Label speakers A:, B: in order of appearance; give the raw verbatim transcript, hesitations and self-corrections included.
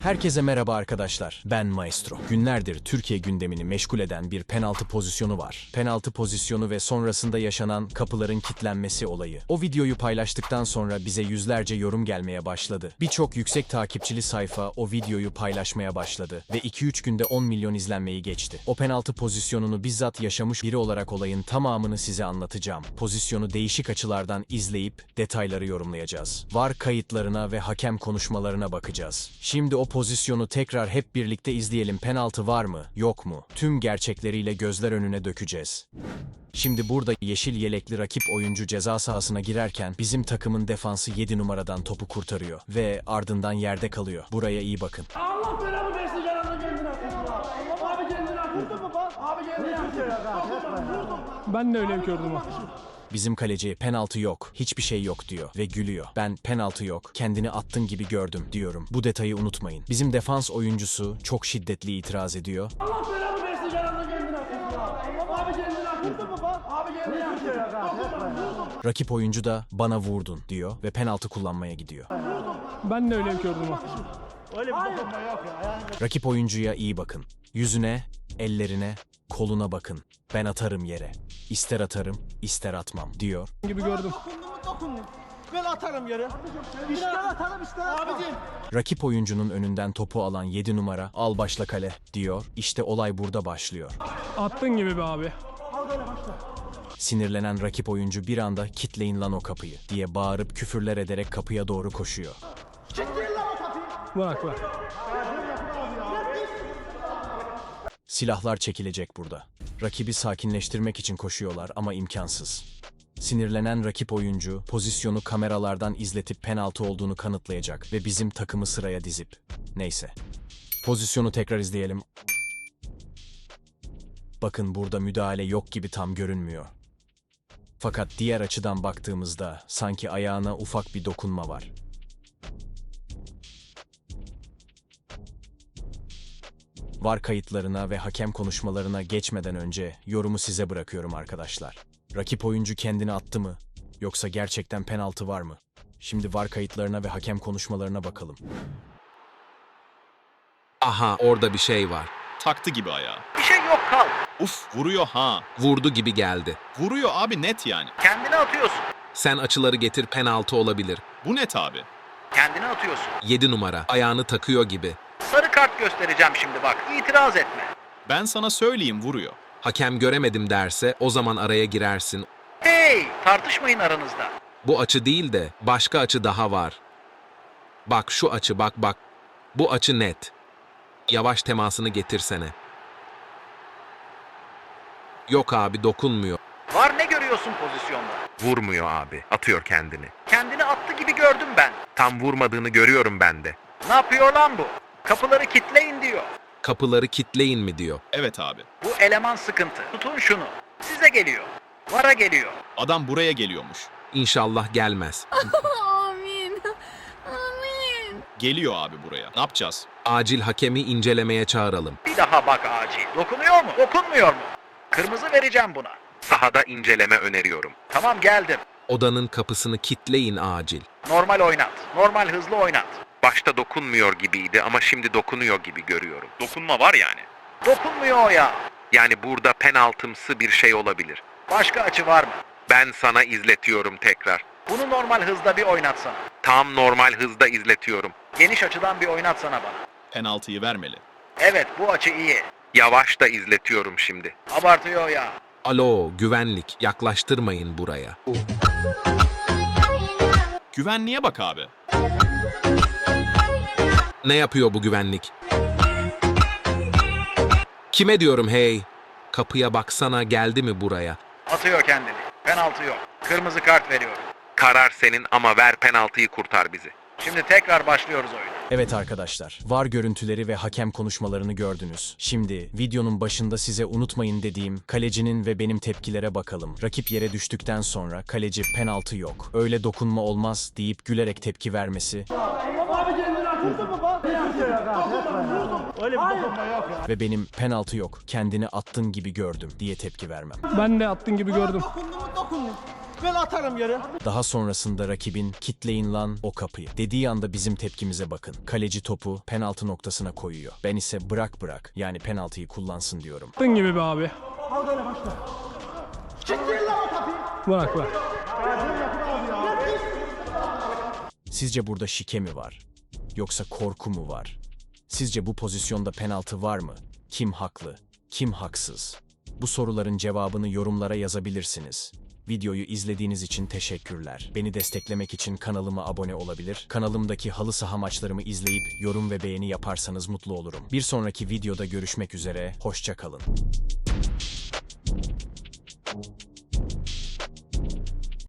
A: Herkese merhaba arkadaşlar, ben Maestro. Günlerdir Türkiye gündemini meşgul eden bir penaltı pozisyonu var. Penaltı pozisyonu ve sonrasında yaşanan kapıların kilitlenmesi olayı. O videoyu paylaştıktan sonra bize yüzlerce yorum gelmeye başladı. Birçok yüksek takipçili sayfa o videoyu paylaşmaya başladı ve iki üç günde on milyon izlenmeyi geçti. O penaltı pozisyonunu bizzat yaşamış biri olarak olayın tamamını size anlatacağım. Pozisyonu değişik açılardan izleyip detayları yorumlayacağız. V A R kayıtlarına ve hakem konuşmalarına bakacağız. Şimdi o pozisyonu tekrar hep birlikte izleyelim. Penaltı var mı, yok mu? Tüm gerçekleriyle gözler önüne dökeceğiz. Şimdi burada yeşil yelekli rakip oyuncu ceza sahasına girerken bizim takımın defansı yedi numaradan topu kurtarıyor ve ardından yerde kalıyor. Buraya iyi bakın.
B: Allah belanı versin yanına kendine atın. Abi kendine atın mı bak? Abi kendine atın.
C: Ben de öyle gördüm o.
A: Bizim kaleci penaltı yok, hiçbir şey yok diyor ve gülüyor. Ben penaltı yok, kendini attın gibi gördüm diyorum. Bu detayı unutmayın. Bizim defans oyuncusu çok şiddetli itiraz ediyor.
B: Allah belanı versin yanına kendine atın. Abi kendine atın mı bak? Abi kendine atın.
A: Rakip oyuncu da bana vurdun diyor ve penaltı kullanmaya gidiyor.
C: Ben de öyle gördüm o.
B: Öyle bir dokunma yok ya.
A: Rakip oyuncuya iyi bakın. Yüzüne, ellerine, koluna bakın. Ben atarım yere. İster atarım, ister atmam diyor.
C: Gibi gördüm.
B: Dokundum mu dokundum. Ben atarım yere. İster atarım ister atmam. Abicim.
A: Rakip oyuncunun önünden topu alan yedi numara al başla kale diyor. İşte olay burada başlıyor.
C: Attın gibi be abi.
B: Al böyle başla.
A: Sinirlenen rakip oyuncu bir anda "Kitleyin lan o kapıyı" diye bağırıp küfürler ederek kapıya doğru koşuyor.
B: Kilitleyin lan o kapıyı.
C: Bırak bırak.
A: Silahlar çekilecek burada. Rakibi sakinleştirmek için koşuyorlar ama imkansız. Sinirlenen rakip oyuncu pozisyonu kameralardan izletip penaltı olduğunu kanıtlayacak ve bizim takımı sıraya dizip. Neyse. Pozisyonu tekrar izleyelim. Bakın burada müdahale yok gibi tam görünmüyor. Fakat diğer açıdan baktığımızda sanki ayağına ufak bir dokunma var. V A R kayıtlarına ve hakem konuşmalarına geçmeden önce yorumu size bırakıyorum arkadaşlar. Rakip oyuncu kendini attı mı? Yoksa gerçekten penaltı var mı? Şimdi V A R kayıtlarına ve hakem konuşmalarına bakalım.
D: Aha, orada bir şey var.
E: Taktı gibi ayağı.
B: Bir şey yok kal.
E: Uf, vuruyor ha.
D: Vurdu gibi geldi.
E: Vuruyor abi, net yani.
B: Kendini atıyorsun.
D: Sen açıları getir, penaltı olabilir.
E: Bu net abi.
B: Kendini atıyorsun.
D: yedi numara. Ayağını takıyor gibi.
B: Sarı kart göstereceğim şimdi bak. İtiraz etme.
E: Ben sana söyleyeyim, vuruyor.
D: Hakem göremedim derse o zaman araya girersin.
B: Hey, tartışmayın aranızda.
D: Bu açı değil de başka açı daha var. Bak şu açı, bak bak. Bu açı net. Yavaş temasını getirsene. Yok abi, dokunmuyor.
B: Var ne görüyorsun pozisyonda?
F: Vurmuyor abi. Atıyor kendini.
B: Kendini attı gibi gördüm ben.
F: Tam vurmadığını görüyorum ben de.
B: Ne yapıyor lan bu? Kapıları kitleyin diyor.
D: Kapıları kitleyin mi diyor.
E: Evet abi.
B: Bu eleman sıkıntı. Tutun şunu. Size geliyor. Vara geliyor.
E: Adam buraya geliyormuş.
D: İnşallah gelmez.
G: Amin. Amin.
E: Geliyor abi buraya. Ne yapacağız?
D: Acil hakemi incelemeye çağıralım.
B: Bir daha bak acil. Dokunuyor mu? Dokunmuyor mu? Kırmızı vereceğim buna.
F: Sahada inceleme öneriyorum.
B: Tamam geldim.
D: Odanın kapısını kitleyin acil.
B: Normal oynat. Normal hızlı oynat.
F: Başta dokunmuyor gibiydi ama şimdi dokunuyor gibi görüyorum. Dokunma var yani.
B: Dokunmuyor o ya.
F: Yani burada penaltımsı bir şey olabilir.
B: Başka açı var mı?
F: Ben sana izletiyorum tekrar.
B: Bunu normal hızda bir oynatsana.
F: Tam normal hızda izletiyorum.
B: Geniş açıdan bir oynatsana bana.
E: Penaltıyı vermeli.
B: Evet bu açı iyi.
F: Yavaş da izletiyorum şimdi.
B: Abartıyor ya.
D: Alo, güvenlik, yaklaştırmayın buraya.
E: Güvenliğe bak abi.
D: Ne yapıyor bu güvenlik? Kime diyorum hey? Kapıya baksana, geldi mi buraya?
B: Atıyor kendini. Penaltı yok. Kırmızı kart veriyorum.
F: Karar senin ama ver penaltıyı, kurtar bizi.
B: Şimdi tekrar başlıyoruz oyuna.
A: Evet arkadaşlar, V A R görüntüleri ve hakem konuşmalarını gördünüz. Şimdi videonun başında size unutmayın dediğim kalecinin ve benim tepkilere bakalım. Rakip yere düştükten sonra kaleci penaltı yok, öyle dokunma olmaz deyip gülerek tepki vermesi
B: Abi kendini atıldı mı bak? Öyle bir dokunma yok ya.
A: ve benim penaltı yok, kendini attın gibi gördüm diye tepki vermem.
C: Ben de attın gibi gördüm.
B: Dokundum mu dokundum. Ben atarım geri.
A: Daha sonrasında rakibin kitleyin lan o kapıyı dediği anda bizim tepkimize bakın. Kaleci topu penaltı noktasına koyuyor. Ben ise bırak bırak yani penaltıyı kullansın diyorum.
C: Attın gibi be abi.
B: Al böyle başla. Kitleyin lan o kapıyı.
C: Bırak bırak.
A: Sizce burada şike mi var? Yoksa korku mu var? Sizce bu pozisyonda penaltı var mı? Kim haklı? Kim haksız? Bu soruların cevabını yorumlara yazabilirsiniz. Videoyu izlediğiniz için teşekkürler. Beni desteklemek için kanalıma abone olabilir, kanalımdaki halı saha maçlarımı izleyip yorum ve beğeni yaparsanız mutlu olurum. Bir sonraki videoda görüşmek üzere, hoşça kalın.